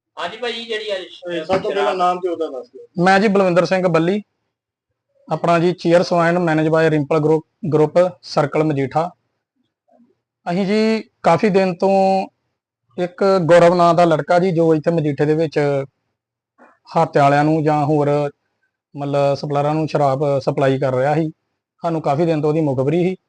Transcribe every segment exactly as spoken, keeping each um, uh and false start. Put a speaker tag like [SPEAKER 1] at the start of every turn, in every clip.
[SPEAKER 1] हाँ जी भाई जी
[SPEAKER 2] सब तो पहला नाम ਤੇ ਉਹਦਾ ਦੱਸ ਦਿਓ।
[SPEAKER 3] ਮੈਂ ਜੀ ਬਲਵਿੰਦਰ ਸਿੰਘ ਬੱਲੀ, ਆਪਣਾ ਜੀ chairs wine manage by Rimpal group group circle Majitha. ਅਸੀਂ ਜੀ ਕਾਫੀ ਦਿਨ ਤੋਂ ਇੱਕ ਗੌਰਵ ਨਾਂ ਦਾ ਲੜਕਾ ਜੀ ਜੋ ਇੱਥੇ ਮਜੀਠੇ ਦੇ ਵਿੱਚ ਹਾਤੇ ਵਾਲਿਆਂ ਨੂੰ ਜਾਂ ਹੋਰ ਮਤਲਬ ਸਪਲਾਇਰਾਂ ਨੂੰ ਸ਼ਰਾਬ ਸਪਲਾਈ ਕਰ ਰਿਹਾ ਸੀ। ਸਾਨੂੰ ਕਾਫੀ ਦਿਨ ਤੋਂ ਉਹਦੀ ਮੁਖਬਰੀ ਸੀ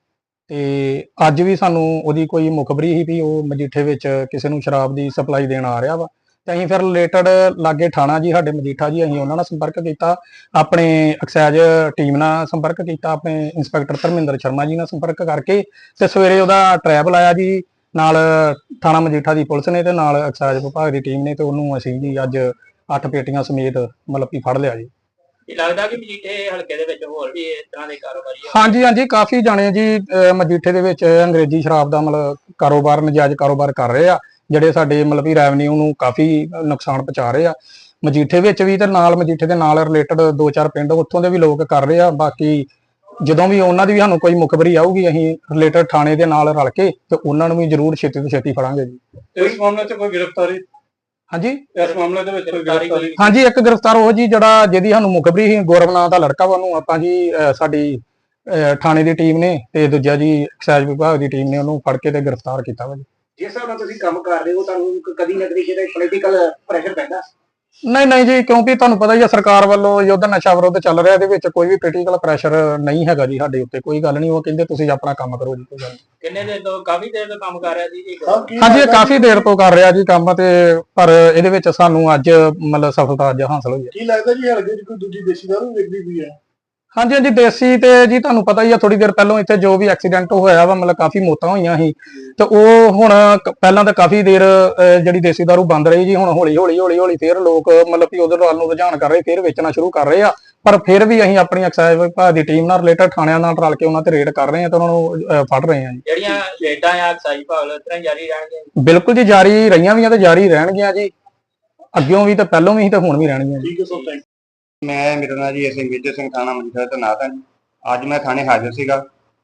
[SPEAKER 3] ਤੇ ਅੱਜ ਵੀ ਸਾਨੂੰ ਉਹਦੀ ਕੋਈ ਮੁਖਬਰੀ ਸੀ ਵੀ ਉਹ ਮਜੀਠੇ ਵਿੱਚ ਕਿਸੇ ਨੂੰ ਸ਼ਰਾਬ ਦੀ ਸਪਲਾਈ ਦੇਣ ਆ ਰਿਹਾ ਵਾ। ਤੇ ਅਸੀਂ ਫਿਰ ਰਿਲੇਟਡ ਲਾਗੇ ਥਾਣਾ ਜੀ ਸਾਡੇ ਮਜੀਠਾ ਜੀ, ਅਸੀਂ ਉਹਨਾਂ ਨਾਲ ਸੰਪਰਕ ਕੀਤਾ, ਆਪਣੇ ਐਕਸਾਈਜ਼ ਟੀਮ ਨਾਲ ਸੰਪਰਕ ਕੀਤਾ, ਆਪਣੇ ਇੰਸਪੈਕਟਰ ਧਰਮਿੰਦਰ ਸ਼ਰਮਾ ਜੀ ਨਾਲ ਸੰਪਰਕ ਕਰਕੇ ਤੇ ਸਵੇਰੇ ਉਹਦਾ ਟਰੈਪ ਲਾਇਆ ਜੀ ਨਾਲ ਥਾਣਾ ਮਜੀਠਾ ਦੀ ਪੁਲਿਸ ਨੇ ਤੇ ਨਾਲ ਐਕਸਾਈਜ਼ ਵਿਭਾਗ ਦੀ ਟੀਮ ਨੇ, ਤੇ ਉਹਨੂੰ ਅਸੀਂ ਜੀ ਅੱਜ ਅੱਠ ਪੇਟੀਆਂ ਸਮੇਤ ਮਤਲਬ ਕਿ ਫੜ ਲਿਆ ਜੀ।
[SPEAKER 1] ਲੱਗਦਾ ਕਿ ਮਜੀਠੇ ਹਲਕੇ ਦੇ ਵਿੱਚ ਹੋਰ ਵੀ ਇਸ ਤਰ੍ਹਾਂ ਦੇ ਕਾਰੋਬਾਰੀ ਆ?
[SPEAKER 3] ਹਾਂਜੀ ਹਾਂਜੀ, ਕਾਫੀ ਜਾਣੇ ਜੀ ਮਜੀਠੇ ਦੇ ਵਿੱਚ ਅੰਗਰੇਜ਼ੀ ਸ਼ਰਾਬ ਦਾ ਮਤਲਬ ਕਾਰੋਬਾਰ, ਨਜਾਇਜ਼ ਕਾਰੋਬਾਰ ਕਰ ਰਹੇ ਆ, ਜਿਹੜੇ ਸਾਡੇ ਮਤਲਬ ਵੀ ਰੈਵਨਿਊ ਨੂੰ ਕਾਫੀ ਨੁਕਸਾਨ ਪਹੁੰਚਾ ਰਹੇ ਆ। ਮਜੀਠੇ ਵਿੱਚ ਵੀ ਤੇ ਨਾਲ ਮਜੀਠੇ ਦੇ ਨਾਲ ਰਿਲੇਟਡ ਦੋ ਚਾਰ ਪਿੰਡ ਉੱਥੋਂ ਦੇ ਵੀ ਲੋਕ ਕਰ ਰਹੇ ਆ। ਬਾਕੀ ਜਦੋਂ ਵੀ ਉਹਨਾਂ ਦੀ ਵੀ ਸਾਨੂੰ ਕੋਈ ਮੁਖਬਰੀ ਆਊਗੀ ਅਸੀਂ ਰਿਲੇਟਡ ਥਾਣੇ ਦੇ ਨਾਲ ਰਲ ਕੇ ਤੇ ਉਹਨਾਂ ਨੂੰ ਵੀ ਜ਼ਰੂਰ ਛੇਤੀ ਤੋਂ ਛੇਤੀ ਫੜਾਂਗੇ ਜੀ।
[SPEAKER 2] ਇਸ ਮਾਮਲੇ 'ਚ ਕੋਈ ਗ੍ਰਿਫਤਾਰੀ?
[SPEAKER 3] ਹਾਂਜੀ,
[SPEAKER 2] ਇਸ ਮਾਮਲੇ ਦੇ ਵਿੱਚ ਕੋਈ ਗ੍ਰਿਫਤਾਰੀ?
[SPEAKER 3] ਹਾਂਜੀ, ਇੱਕ ਗ੍ਰਿਫਤਾਰ ਉਹ ਜੀ ਜਿਹੜਾ ਜਿਹਦੀ ਸਾਨੂੰ ਮੁਖਬਰੀ ਸੀ, ਗੌਰਵ ਨਾਂ ਦਾ ਲੜਕਾ ਵਾ, ਉਹਨੂੰ ਆਪਾਂ ਜੀ ਸਾਡੀ ਥਾਣੇ ਦੀ ਟੀਮ ਨੇ ਤੇ ਦੂਜਾ ਜੀ ਐਕਸਾਈਜ਼ ਵਿਭਾਗ ਦੀ ਟੀਮ ਨੇ ਉਹਨੂੰ ਫੜ ਕੇ ਤੇ ਗ੍ਰਿਫਤਾਰ ਕੀਤਾ ਵਾ ਜੀ।
[SPEAKER 4] ਜਿਸ ਹਿਸਾਬ ਨਾਲ ਤੁਸੀਂ ਕੰਮ ਕਰ ਰਹੇ ਹੋ ਤੁਹਾਨੂੰ ਕਦੀ ਨਾ ਕਦੀ ਜਿਹੜਾ ਪੋਲੀਟੀਕਲ ਪ੍ਰੈਸ਼ਰ ਪੈਂਦਾ?
[SPEAKER 3] ਨਹੀਂ ਨਹੀਂ ਜੀ, ਕਿਉਂਕਿ ਤੁਹਾਨੂੰ ਪਤਾ ਹੀ ਆ ਸਰਕਾਰ ਵੱਲੋਂ ਯੁੱਧ ਨਸ਼ਾ ਵਿਰੁੱਧ ਚੱਲ ਰਿਹਾ, ਇਹਦੇ ਵਿੱਚ ਕੋਈ ਵੀ ਪੋਲੀਟੀਕਲ ਪ੍ਰੈਸ਼ਰ ਨਹੀਂ ਹੈਗਾ ਜੀ ਸਾਡੇ ਉੱਤੇ, ਕੋਈ ਗੱਲ ਨਹੀਂ। ਉਹ ਕਹਿੰਦੇ ਤੁਸੀਂ ਆਪਣਾ ਕੰਮ ਕਰੋ ਜੀ, ਕੋਈ ਗੱਲ ਨਹੀਂ।
[SPEAKER 1] ਕਿੰਨੇ ਦਿਨ ਤੋਂ? ਕਾਫੀ ਦੇਰ ਤੋਂ ਕੰਮ ਕਰ ਰਿਹਾ ਸੀ ਜੀ?
[SPEAKER 3] ਹਾਂਜੀ, ਇਹ ਕਾਫੀ ਦੇਰ ਤੋਂ ਕਰ ਰਿਹਾ ਜੀ ਕੰਮ, ਤੇ ਪਰ ਇਹਦੇ ਵਿੱਚ ਸਾਨੂੰ ਅੱਜ ਮਤਲਬ ਸਫਲਤਾ ਅੱਜ ਹਾਸਲ ਹੋਈ ਹੈ।
[SPEAKER 2] ਕੀ ਲੱਗਦਾ ਜੀ ਹਲਕੇ 'ਚ ਕੋਈ ਦੂਜੀ ਦੇਸੀ ਦਾਰੂ ਵਿਕਦੀ ਪਈ ਹੈ?
[SPEAKER 3] ਹਾਂਜੀ ਹਾਂਜੀ, ਦੇਸੀ ਤੇ ਜੀ ਤੁਹਾਨੂੰ ਪਤਾ ਹੀ ਆ, ਥੋੜੀ ਦੇਰ ਪਹਿਲਾਂ ਇੱਥੇ ਜੋ ਵੀ ਐਕਸੀਡੈਂਟ ਹੋਇਆ ਵਾ ਮਤਲਬ ਕਾਫੀ ਮੌਤਾਂ ਹੋਈਆਂ ਸੀ, ਤੇ ਉਹ ਹੁਣ ਪਹਿਲਾਂ ਤਾਂ ਕਾਫੀ ਦੇਰ ਜਿਹੜੀ ਦੇਸੀ ਦਾਰੂ ਬੰਦ ਰਹੀ ਜੀ, ਹੁਣ ਹੌਲੀ ਹੌਲੀ ਹੌਲੀ ਹੌਲੀ ਫੇਰ ਲੋਕ ਮਤਲਬ ਕਿ ਉਧਰ ਵੱਲ ਨੂੰ ਰੁਝਾਨ ਕਰ ਰਹੇ, ਫੇਰ ਵੇਚਣਾ ਸ਼ੁਰੂ ਕਰ ਰਹੇ ਆ। ਪਰ ਫਿਰ ਵੀ ਅਸੀਂ ਆਪਣੀ ਐਕਸਾਈਜ਼ ਵਿਭਾਗ ਦੀ ਟੀਮ ਨਾਲ ਰਿਲੇਟਡ ਥਾਣਿਆਂ ਨਾਲ ਰਲ ਕੇ ਉਹਨਾਂ ਤੇ ਰੇਡ ਕਰ ਰਹੇ ਆ ਤੇ ਉਹਨਾਂ ਨੂੰ ਫੜ ਰਹੇ ਆ ਜੀ।
[SPEAKER 1] ਜਿਹੜੀਆਂ ਰੇਡਾਂ ਆ ਐਕਸਾਈਜ਼ ਵਿਭਾਗ ਵੱਲੋਂ ਇਸ ਤਰ੍ਹਾਂ ਜਾਰੀ ਰਹਿਣਗੀਆਂ?
[SPEAKER 3] ਬਿਲਕੁਲ ਜੀ, ਜਾਰੀ ਰਹੀਆਂ ਵੀ ਆ ਤੇ ਜਾਰੀ ਰਹਿਣਗੀਆਂ ਜੀ, ਅੱਗਿਓਂ ਵੀ ਤੇ ਪਹਿਲੋਂ ਵੀ ਤੇ ਹੁਣ ਵੀ ਰਹਿਣਗੀਆਂ ਜੀ।
[SPEAKER 2] ਠੀਕ ਹੈ ਸਰ, ਥੈਂਕ ਯੂ।
[SPEAKER 5] ਮੈਂ ਮੇਰਾ ਨਾਮ ਜੀ ਸਿੰਘ ਮੇਜਰ ਸਿੰਘ, ਥਾਣਾ ਮਜੀਠਾ ਦਾ ਨਾਮ ਹੈ ਜੀ। ਅੱਜ ਮੈਂ ਥਾਣੇ ਹਾਜ਼ਰ ਸੀਗਾ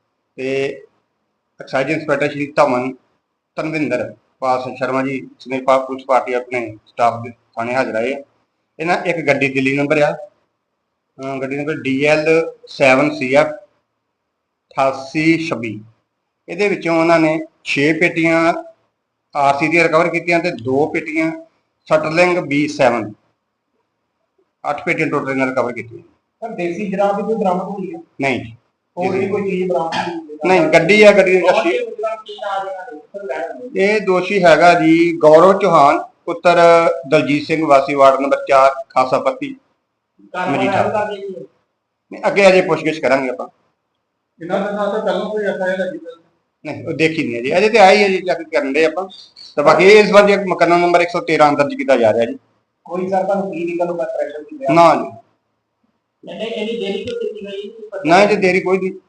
[SPEAKER 5] ਤੇ ਐਕਸਾਈਜ਼ ਇੰਸਪੈਕਟਰ ਸ਼੍ਰੀ ਧਮਨ ਧਰਮਿੰਦਰ ਪਾਲ ਸ਼ਰਮਾ ਜੀ ਸਮੇਤ ਪੁਲਿਸ ਪਾਰਟੀ ਆਪਣੇ ਸਟਾਫ ਦੇ ਥਾਣੇ ਹਾਜ਼ਰ ਆਏ ਆ। ਇਹਨਾਂ ਇੱਕ ਗੱਡੀ ਦਿੱਲੀ ਨੰਬਰ ਆ, ਗੱਡੀ number D L seven C F ਅਠਾਸੀ ਛੱਬੀ। ਇਹਦੇ ਵਿੱਚੋਂ ਉਹਨਾਂ ਨੇ ਛੇ ਪੇਟੀਆਂ ਆਰ ਸੀ ਦੀਆਂ ਰਿਕਵਰ ਕੀਤੀਆਂ ਤੇ ਦੋ ਪੇਟੀਆਂ ਸਟਰਲਿੰਗ ਬੀ ਸੈਵਨ, ਅੱਠ ਪੇਟੀਆਂ ਟੋਟਲ ਇਹਨਾਂ ਰਿਕਵਰ ਕੀਤੀਆਂ।
[SPEAKER 4] ਸਰ ਦੇਸੀ ਸ਼ਰਾਬ ਵੀ ਕੋਈ ਬਰਾਮਦ ਹੋਈ ਹੈ?
[SPEAKER 5] ਨਹੀਂ ਜੀ,
[SPEAKER 4] ਹੋਰ ਵੀ ਕੋਈ ਚੀਜ਼ ਬਰਾਮਦ ਹੋਈ?
[SPEAKER 5] ਨਹੀਂ, ਗੱਡੀ ਆ, ਗੱਡੀ ਦੀ ਰਸ਼ੀ। ਇਹ ਦੋਸ਼ੀ ਹੈਗਾ ਜੀ ਗੌਰਵ ਚੌਹਾਨ ਪੁੱਤਰ ਦਲਜੀਤ ਸਿੰਘ ਵਾਸੀ ਵਾਰਡ ਨੰਬਰ ਚਾਰ ਖਾਸਾ ਪੱਤੀ ਮਜੀਠਾ। ਨਹੀਂ, ਅੱਗੇ ਅਜੇ ਪੁੱਛਗਿੱਛ ਕਰਾਂਗੇ ਆਪਾਂ।
[SPEAKER 2] ਇਹਨਾਂ ਦੇ ਨਾਲ ਤਾਂ ਪਹਿਲਾਂ ਕੋਈ ਐਫ ਆਈ ਆਰ ਲੱਗੀ?
[SPEAKER 5] ਨਹੀਂ, ਉਹ ਦੇਖੀ ਨਹੀਂ ਹੈ ਜੀ, ਅਜੇ ਤੇ ਆਈ ਹੈ ਜੀ, ਚੈੱਕ ਕਰਨ ਦੇ ਆਪਾਂ। ਤੇ ਬਾਕੀ ਇਸ ਵਾਰ ਜੀ ਮੁਕੱਦਮਾ ਨੰਬਰ ਇੱਕ ਸੌ ਤੇਰਾਂ ਦਰਜ ਕੀਤਾ ਜਾ ਰਿਹਾ ਜੀ।
[SPEAKER 4] ਕੋਈ ਸਰ ਤੁਹਾਨੂੰ ਪੋਲੀਟੀਕਲ ਪ੍ਰੈਸ਼ਰ ਨਹੀਂ?
[SPEAKER 5] ਨਾ ਜੀ,
[SPEAKER 1] ਇਹਨੇ ਇਹਦੀ ਦੇਰੀ ਕਿਉਂ ਕੀਤੀ ਗਈ?
[SPEAKER 5] ਨਾ ਜੀ, ਦੇਰੀ ਕੋਈ ਨਹੀਂ।